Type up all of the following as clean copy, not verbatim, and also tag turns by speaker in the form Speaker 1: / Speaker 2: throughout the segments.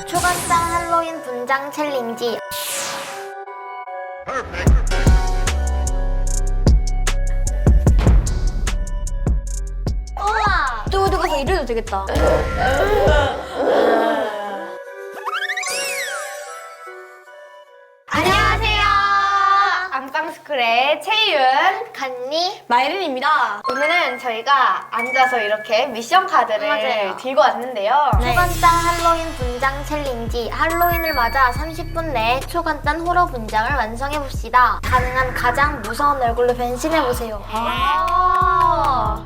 Speaker 1: 초간단 할로윈 분장 챌린지. 우와!
Speaker 2: 어디 가서 이래도 되겠다.
Speaker 1: 안녕하세요.
Speaker 3: 안방스쿨의 채윤,
Speaker 1: 간니.
Speaker 2: 마이린입니다.
Speaker 3: 오늘은 저희가 앉아서 이렇게 미션 카드를
Speaker 1: 맞아요.
Speaker 3: 들고 왔는데요.
Speaker 2: 네.
Speaker 1: 초간단 할로윈 분장 챌린지. 할로윈을 맞아 30분 내에 초간단 호러 분장을 완성해봅시다. 가능한 가장 무서운 얼굴로 변신해보세요.
Speaker 3: 아~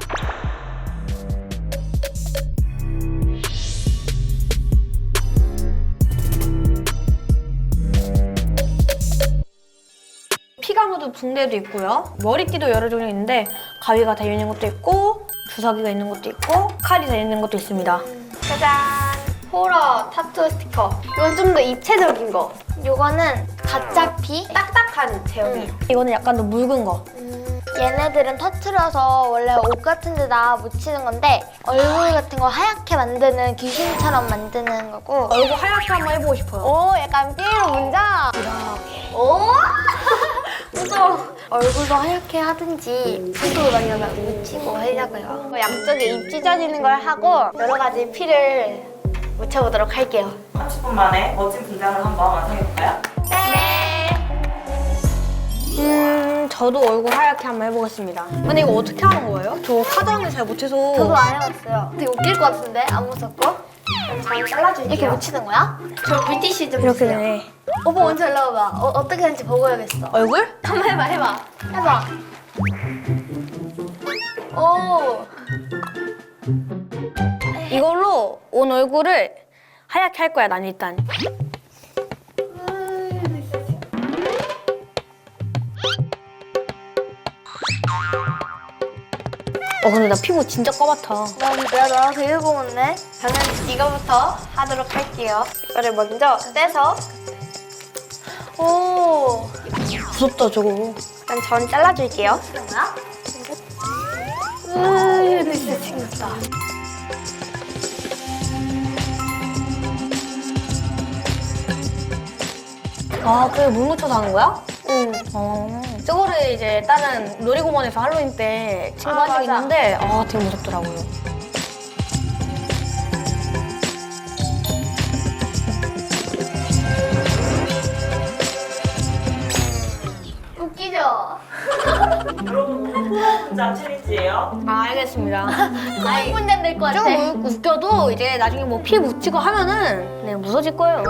Speaker 2: 피가 묻은 붕대도 있고요. 머리띠도 여러 종류 있는데 가위가 달려있는 것도 있고 주사기가 있는 것도 있고 칼이 달려있는 것도 있습니다.
Speaker 3: 짜잔! 호러 타투 스티커. 이건 좀 더 입체적인 거.
Speaker 1: 요거는 가짜 피.
Speaker 3: 딱딱한 제형이에요.
Speaker 2: 이거는 약간 더 묽은 거.
Speaker 1: 얘네들은 터트려서 원래 옷 같은 데다 묻히는 건데 얼굴 같은 거 하얗게 만드는 귀신처럼 만드는 거고.
Speaker 2: 얼굴 하얗게 한번 해보고 싶어요.
Speaker 3: 오, 약간 삐로 문장. 오! 무서워.
Speaker 1: 얼굴도 하얗게 하든지 손톱을 많이 묻히고 하려고요.
Speaker 3: 양쪽에 입 찢어지는 걸 하고 여러 가지 피를 묻혀보도록 할게요.
Speaker 4: 30분 만에 멋진 분장을 한번 완성해볼까요?
Speaker 2: 저도 얼굴 하얗게 한번 해보겠습니다. 근데 이거 어떻게 하는 거예요? 저 화장을 잘 못해서.
Speaker 1: 저도 안 해봤어요. 되게 웃길 것 같은데 안 무섭고?
Speaker 3: 잘 잘라줄게요.
Speaker 1: 이렇게 묻히는 거야?
Speaker 3: 저 물티슈 좀
Speaker 2: 이렇게
Speaker 3: 주세요.
Speaker 2: 되네.
Speaker 1: 오빠 먼저 올라와봐. 어떻게 하는지 보고 해야겠어.
Speaker 2: 얼굴?
Speaker 3: 한번 해봐, 해봐.
Speaker 1: 해봐. 오.
Speaker 2: 이걸로 온 얼굴을 하얗게 할 거야, 난 일단. 근데 나 피부 진짜 까맣다.
Speaker 1: 내가 너랑 되게 고맙네.
Speaker 3: 저는 이거부터 하도록 할게요. 이거를 먼저 떼서 오,
Speaker 2: 무섭다, 저거.
Speaker 3: 일단 전 잘라줄게요.
Speaker 1: 진짜 생겼다.
Speaker 2: 아, 그게 물 묻혀서 하는 거야?
Speaker 3: 응.
Speaker 2: 저거를 이제 다른 놀이공원에서 할로윈 때 친구
Speaker 3: 아,
Speaker 2: 한 적
Speaker 3: 맞아.
Speaker 2: 있는데 되게 무섭더라고요.
Speaker 1: 웃기죠?
Speaker 4: 여러분 오늘 호러 분장 챌린지예요.
Speaker 2: 알겠습니다. 아니,
Speaker 1: 문제 낼것 같아.
Speaker 2: 조금 웃겨도 이제 나중에 뭐 피 묻히고 하면은 네, 무서질 거예요.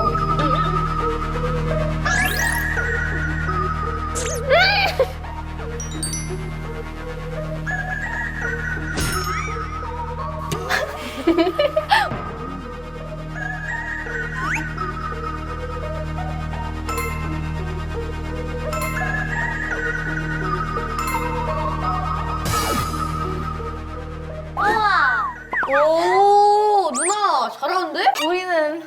Speaker 1: 우와.
Speaker 2: 오, 누나 잘하는데?
Speaker 3: 우리는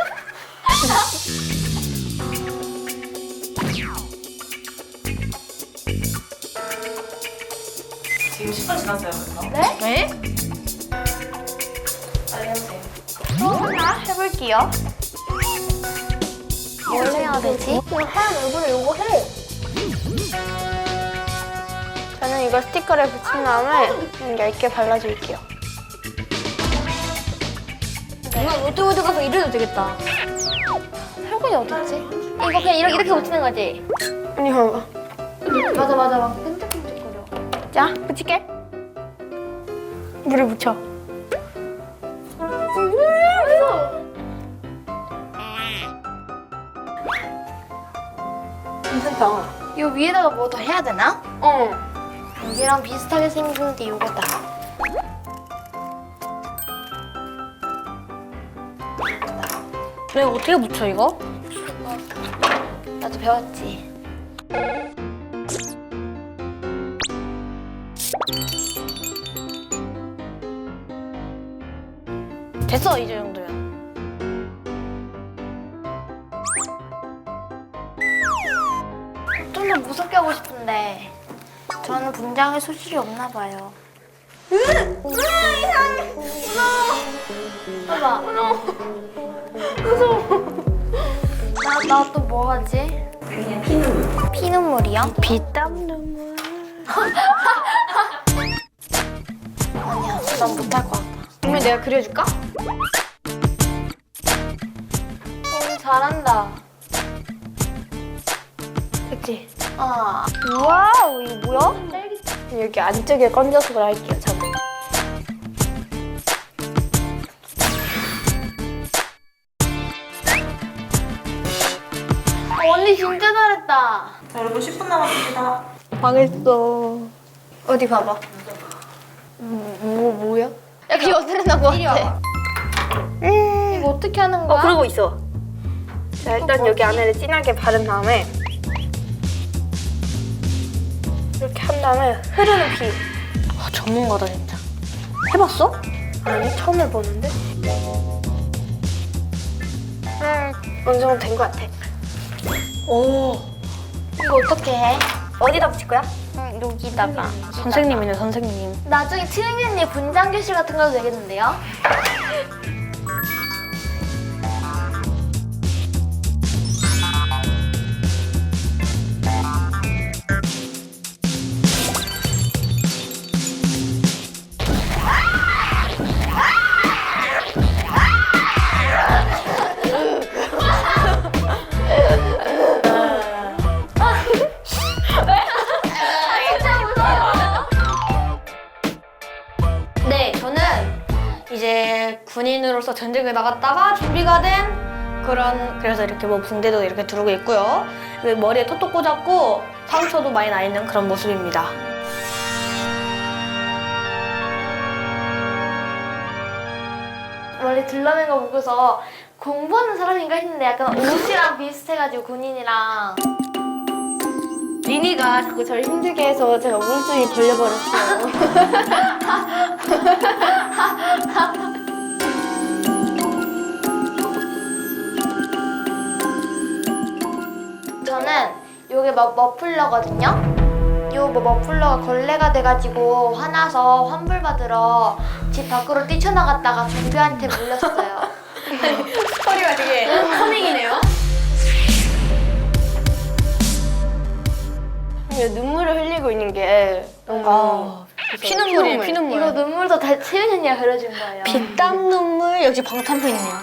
Speaker 4: 지금 10분 지났어요, 벌써.
Speaker 2: 네?
Speaker 4: 빨리 해보세요.
Speaker 3: 또 하나 해볼게요.
Speaker 1: 뭘 해야 되지?
Speaker 3: 이거 하얀 얼굴에 이거 해. 저는 이거 스티커를 붙인 다음에 얇게 발라줄게요.
Speaker 2: 누나 롯데월드 가서 이래도 되겠다.
Speaker 1: 설거지 어딨지? 이거 그냥 이렇게 묻히는 거지?
Speaker 3: 아니, 봐봐.
Speaker 1: 맞아. 막 끈적끈적거려.
Speaker 3: 자, 붙일게. 물을 묻혀. 괜찮다.
Speaker 1: 이 위에다가 뭐 더 해야 되나? 얘랑 비슷하게 생긴 게 이거다.
Speaker 2: 내가 어떻게 묻혀 이거?
Speaker 1: 나도 배웠지.
Speaker 2: 됐어, 이 정도면.
Speaker 1: 좀 더 무섭게 하고 싶은데 저는 분장에 소질이 없나 봐요.
Speaker 3: 이상해.
Speaker 1: 봐봐. 나 또 뭐 하지?
Speaker 4: 그냥 피눈물.
Speaker 1: 피눈물이요?
Speaker 2: 피땀 눈물.
Speaker 1: 아니야, 난 못할 것 같아.
Speaker 3: 그러면 내가 그려줄까?
Speaker 1: 잘한다.
Speaker 3: 그치?
Speaker 1: 아,
Speaker 3: 와우, 이거 뭐야? 여기 안쪽에 건져서 할게요, 저는.
Speaker 1: 언니 진짜 잘했다.
Speaker 4: 자, 여러분 10분 남았습니다.
Speaker 3: 망했어. 어디 봐봐. 뭐야? 야, 그게 어떻게 난 거 같아?
Speaker 1: 이거 어떻게 하는 거야?
Speaker 3: 그러고 있어. 자, 일단 여기 안에를 진하게 바른 다음에 이렇게 한 다음에 흐르는 피.
Speaker 2: 전문가다 진짜. 해봤어?
Speaker 3: 아니, 처음 해보는데? 어느 정도 된 거 같아.
Speaker 2: 오.
Speaker 1: 이거 어떻게 해?
Speaker 3: 어디다 붙일 거야?
Speaker 1: 여기다가.
Speaker 2: 선생님이네 선생님.
Speaker 1: 나중에 트윈 언니 분장 교실 같은 거도 되겠는데요?
Speaker 2: 네, 저는 이제 군인으로서 전쟁에 나갔다가 준비가 된 그래서 이렇게 뭐 붕대도 이렇게 두르고 있고요. 머리에 톡톡 꽂았고 상처도 많이 나 있는 그런 모습입니다.
Speaker 1: 원래 들러낸 거 보고서 공부하는 사람인가 했는데 약간 옷이랑 비슷해가지고 군인이랑.
Speaker 3: 리니가 자꾸 저를 힘들게 해서 제가 우울증이 걸려버렸어요.
Speaker 1: 저는 요게 머플러거든요? 요 머플러가 걸레가 돼가지고 화나서 환불받으러 집 밖으로 뛰쳐나갔다가 좀비한테 물렸어요.
Speaker 2: 스토리가 되게 커밍이네요.
Speaker 3: 눈물을 흘리고 있는 게 너무
Speaker 2: 피눈물이에요, 피눈물.
Speaker 1: 이거 눈물도 다 채윤 언니가 그려준 거예요.
Speaker 2: 피땀 눈물 역시 방탄팬이네요.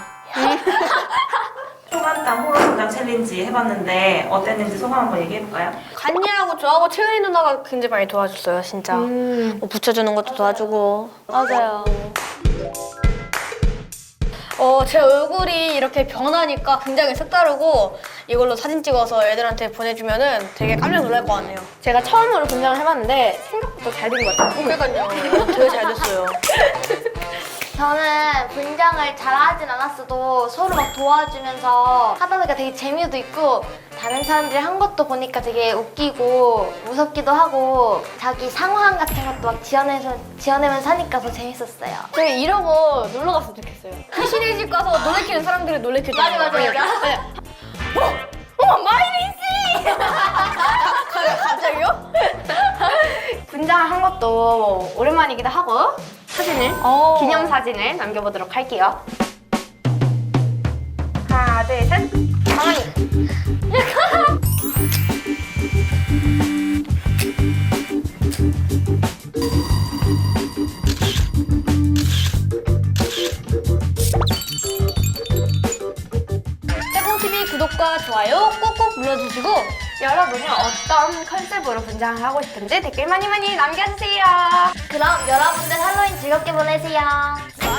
Speaker 4: 초간단 호러 분장 챌린지 해봤는데 어땠는지 소감 한번 얘기해볼까요?
Speaker 2: 간이하고 저하고 채은이 누나가 굉장히 많이 도와줬어요, 진짜. 뭐 붙여주는 것도 도와주고.
Speaker 1: 맞아요.
Speaker 2: 제 얼굴이 이렇게 변하니까 굉장히 색다르고 이걸로 사진 찍어서 애들한테 보내주면은 되게 깜짝 놀랄 것 같네요.
Speaker 3: 제가 처음으로 분장을 해봤는데 생각보다 잘 된 것 같아요.
Speaker 2: 그러니까요. 되게 잘 됐어요.
Speaker 1: 저는 분장을 잘하진 않았어도 서로 막 도와주면서 하다 보니까 되게 재미도 있고 다른 사람들이 한 것도 보니까 되게 웃기고 무섭기도 하고 자기 상황 같은 것도 막 지어내면서 하니까 더 재밌었어요.
Speaker 3: 저희 이러고 놀러 갔으면 좋겠어요.
Speaker 2: 귀신의 집 가서 놀래키는 사람들이 놀래키잖아요.
Speaker 1: 맞아.
Speaker 3: 마이린 씨!
Speaker 2: 갑자기요?
Speaker 3: 분장을 한 것도 오랜만이기도 하고 사진을 기념사진을 남겨보도록 할게요. 하나, 둘, 셋. 가만히.
Speaker 2: 떼콩TV 구독과 좋아요 꾹꾹 눌러주시고
Speaker 3: 여러분은 어떤 컨셉으로 분장을 하고 싶은지 댓글 많이 남겨주세요.
Speaker 1: 그럼 여러분들 할로윈 즐겁게 보내세요.